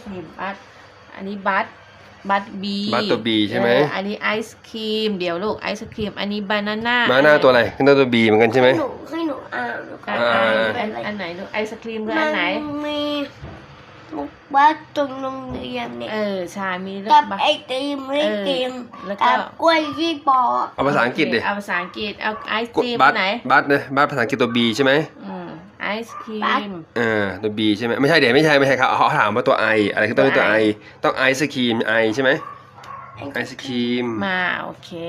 ครีมบัตอันนี้บัตบีบัตตัวบีใช่ไหมอันนี้ไอศครีมเดี๋ยวลูกไอศครีมอันนี้บานาน่าตัวอะไรขึ้นตัวบีเหมือนกันใช่ไหมให้หนูอ่านอันไหนลูกไอศครีมคืออันไหนมีบัตตรงโรงเรียนเนี่ยใช่มีกับไอติมไม่กินกับกล้วยที่ปอกเอาภาษาอังกฤษดิเอาภาษาอังกฤษเอาไอศครีมไหนบัตเนี่ยบัตภาษาอังกฤษตัวบีใช่ไหมไอศครีมตัวบีใช่ไหมไม่ใช่เดี๋ยวไม่ใช่ครับเขาถามว่าตัวไออะไรคือตัวไอต้องไอศครีมไอใช่ไหมไอศครีมมาโอเค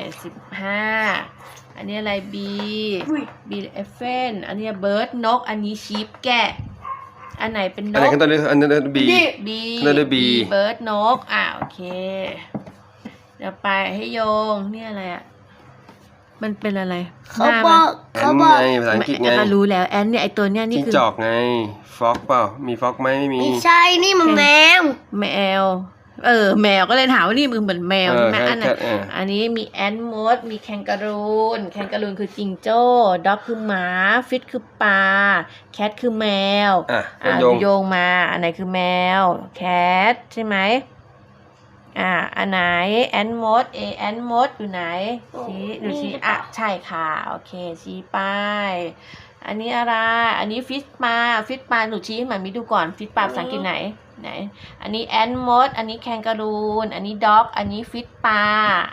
15อันนี้อะไรบีเอฟเฟนอันนี้เบิร์ดนกอันนี้ชีฟแกะอันไหนเป็นนกอันไหนขึ้นตัวนี้อันนั้นบีเบิร์ดนกโอเคเดี๋ยวไปให้โยงนี่อะไรมันเป็นอะไรเขาบอกภาษาอังกฤษไงรู้แล้วแอนเนี่ยไอตัวเนี้ยนี่คือจิ้งจอกไงฟ็อกเปล่ามีฟ็อกไหมไม่มีไม่ใช่นี่มันแมวแมวก็เลยถามว่านี่มันเหมือนแมวใช่ไหมอันนี้มีแอนมดมีแคนการูนคือจิงโจ้ด็อกคือหมาฟิชคือปลาแคทคือแมวโยงมาอันไหนคือแมวแคทใช่ไหมอันไหนแอนมดแอนมดอยู่ไหนชี้ดูชี้ใช่ค่ะโอเคชี้ไปอันนี้อะไรอันนี้ฟิชปลาหนูชี้ให้มันมีดูก่อนฟิชปลาภาษาอังกฤษไหนอันนี้แอนมดอันนี้แคนการูนอันนี้ด็อกอันนี้ฟิชปลา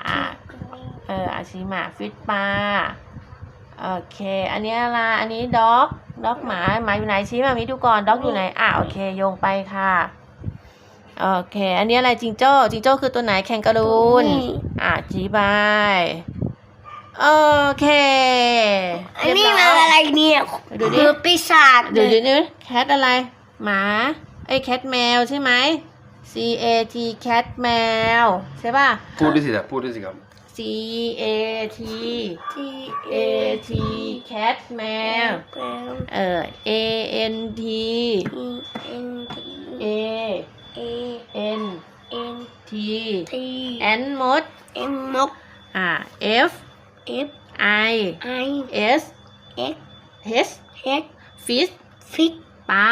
ชี้มาฟิชปลาโอเคอันนี้อะไรอันนี้ด็อกหมาอยู่ไหนชี้มามีดูก่อนด็อกอยู่ไหนโอเคโยงไปค่ะโอเคอันนี้อะไรจิงโจ้คือตัวไหนแคนการูนชี้ไปโอเคอันนี้มันอะไรเนี่ยดูดิปีศาจดูแคทอะไรหมาแคทแมวใช่ไหม CAT แคทแมวใช่ป่ะพูดด้วยสิครับ CAT แคทแมวANT ANT แอนมดF I S H ฟิชปลา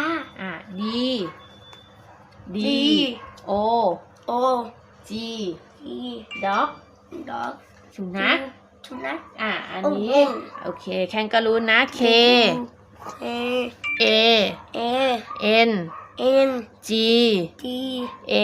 D O G ด็อกสุนัขอันนี้โอเคแคนการูนนะ K A N G A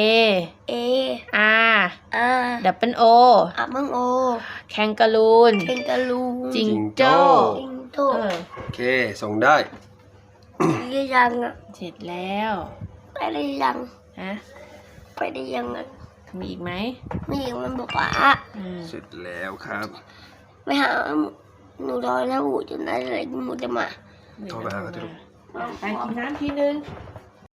R double O แคนการูนจิงโจ้โอเคส่งได้ยังเสร็จแล้วไปได้ยังไปได้ยังมีอีกไหมมีอีกมันบอกว่าเสร็จแล้วครับไปหาหนูรอแล้วหมูจะได้อะไรหมูจะมาโทรไปหาเขาทุกไปกินน้ำทีนึง